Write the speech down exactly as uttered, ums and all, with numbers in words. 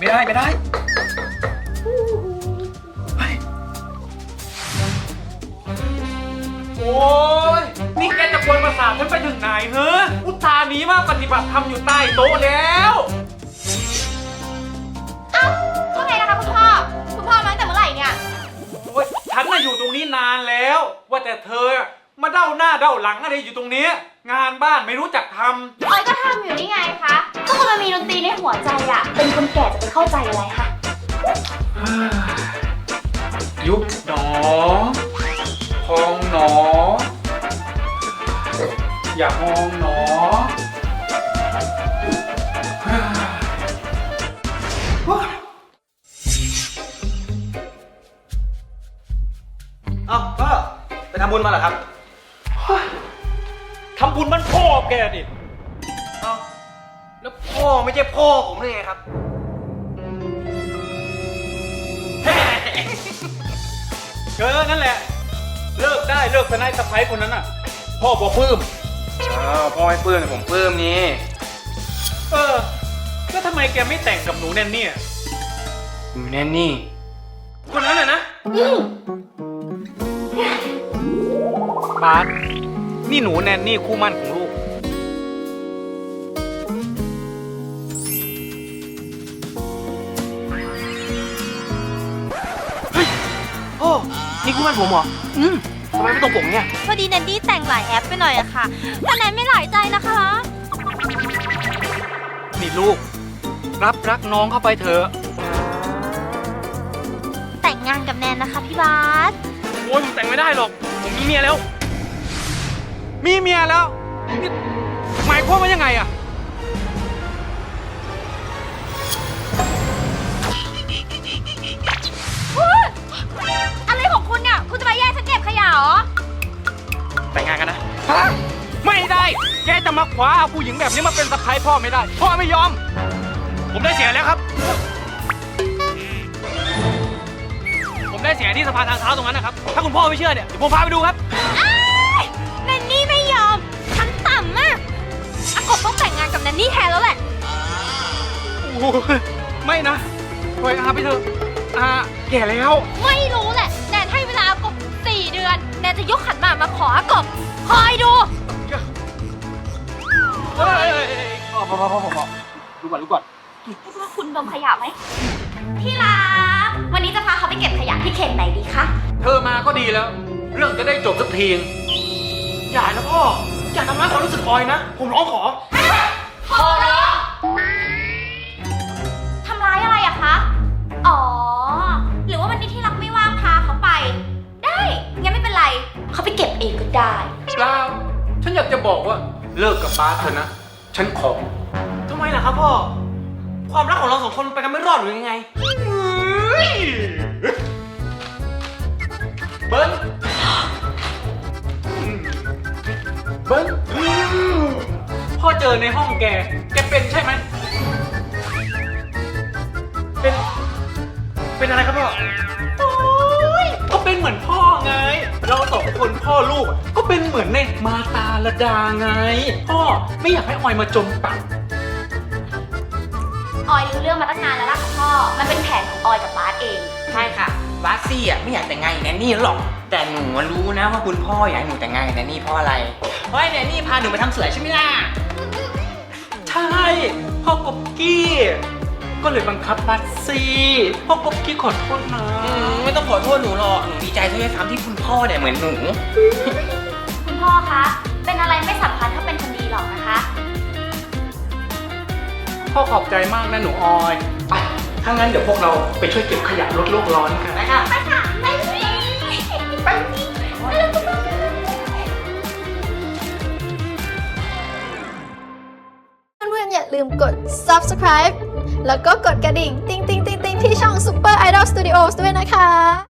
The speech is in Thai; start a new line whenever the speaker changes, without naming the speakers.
ไม่ได้ไม่ได้โอ้ยนี่แกจะกวนประสาทฉันไปถึงไหนเฮ้ออุตส่าห์หนีมาปฏิบัติธรรมอยู่ใต้โต๊ะแล้ว
เอ้าว่าไงนะคะคุณพ่อคุณพ่อมาตั้งแต่เมื่อไหร่เนี่ย
โอ้ยฉันน่ะอยู่ตรงนี้นานแล้วว่าแต่เธอมาเด้าหน้าเด้าหลังอะไรอยู่ตรงนี้งานบ้านไม่รู้จักทำ
ออยก็ทำอยู่นี่ไงคะก็คนมันมีดนตรีในหัวใจอะเป็นคนแก่จะไปเข้าใจอะไรคะ
ยุบหนอพองหนออย่ามองหนอ
เอ้าพ่อไปทำบุญมาเหรอครับ
ทำบุญมันพ่อแกดิ
เอ้าแล้วพ่อไม่ใช่พ่อผมเลยไงครับ
เออนั่นแหละเลิกได้เลิกสนายสะพ้ายคนนั้นน่ะพ่อบอกปลื้ม
อ้าวพ่อไม่ปลื้มแต่ผมปลื้มนี่
เออแล้วทำไมแกไม่แต่งกับหนูแนนนี่
หนูแนนนี่คนนั้นน่ะนะ
บาสนี่หนูแนนนี่คู่มั่นของลูก
เฮ้ยพ่อนี่คู่มั่นผมเหรออืมทำไมไม่ตรงปกเนี่ย
พอดีแนนดี้แต่งหลายแอปไปหน่อยอะค่ะแต่แนนไม่หลายใจนะคะ
นี่ลูกรับรักน้องเข้าไปเถอะ
แต่งงานกับแนนนะคะพี่บาส
โอ้ยผมแต่งไม่ได้หรอกผมมีเมียแล้ว
มีเมียแล้วนี่หมายความว่ายังไงอะ
อะไรของคุณเนี่ยคุณจะมาแย่งฉันเก็บขยะเหรอ
แต่งงานกันนะ
ฮะไม่ได้แกจะมาขวาเอาผู้หญิงแบบนี้มาเป็นสะใภ้พ่อไม่ได้พ่อไม่ยอม
ผมได้เสียแล้วครับผมได้เสียที่สะพานทางเท้าตรงนั้นนะครับถ้าคุณพ่อไม่เชื่อเนี่ยเดี๋ยวผมพาไปดูครับ
แนนนี่ไม่ยอมฉันต่ำมากอากบต้องแต่งงานกับแนนนี่แทนแล้วแหละ
โอ้ยไม่นะปล่อยอาไปเถอะอาแก่แล้ว
ไม่รู้แหละแนนให้เวลาอากบสี่เดือนแนนจะยกขันหมากมาขออากบคอยดู
เฮ้ยพอพอพอพอดูก่อนดูก่อน
ให้ว่าคุณดมขยะไหมที่รักวันนี้จะพาเขาไปเก็บขยะที่เขตไหนดีคะ
เธอมาก็ดีแล้วเรื่องจะได้จบสักที
อย่านะพ่ออย่าทำร้ายความรู้สึกออยนะผมร้องขอ
ขอร้องทำร้ายอะไรอะคะอ๋อหรือว่าวันนี้ที่รักไม่ว่างพาเขาไปได้งั้นไม่เป็นไรเขาไปเก็บเองก็ได้
เปล่าฉันอยากจะบอกว่าเลิกกับบาสเถอะนะฉันขอ
ทำไมล่ะครับพ่อความรักของเราสองคนไปกันไม่รอดหรือยังไง
เบิ้ลเบิ้ลพ่อเจอในห้องแกแกเป็นใช่ไหม
เป็นเป็นอะไรครับพ่อ
โอ้ยก็เป็นเหมือนพ่อไงเราสองคนพ่อลูกก็เป็นเหมือนในมาตาลดาไงพ่อไม่อยากให้ออยมาจมปัก
ออยรู้เรื่องมาตั้งนานแล้วล่ะพ่อมันเป็นแผนของออยกับบาสเอง
ใช่ค่ะบาสซี่อ่ะไม่อยากแต่งงานกับแนนนี่หรอกแต่หนูรู้นะว่าคุณพ่ออยากให้หนูแต่งงานกับแนนนี่เพราะอะไรเพราะแนนนี่พาหนูไปทำสวยใช่ไหมล่ะ
ใช่พ่อกบกี้ก็เลยบังคับบาสซี่พ่อกบกี้ขอโทษนะ
ไม่ต้องขอโทษหนูหรอกหนูดีใจด้วยซ้ำที่คุณพ่อเนี่ยเหมือนหนู
คุณพ่อคะเป็นอะไรไม่สำคัญถ้าเป็นคนดีหรอกนะคะ
พ่อขอบใจมากนะหนูออยไปถ้างั้นเดี๋ยวพวกเราไปช่วยเก็บขยะลดโลกร้อนกัน
ไปค่ะไปค่ะไปไป
เพื่อนๆอย่าลืมกด ซับสไครบ์ แล้วก็กดกระดิ่ง ติ๊งติ๊งติ๊งติ๊งที่ช่อง Super Idol Studios ด้วยนะคะ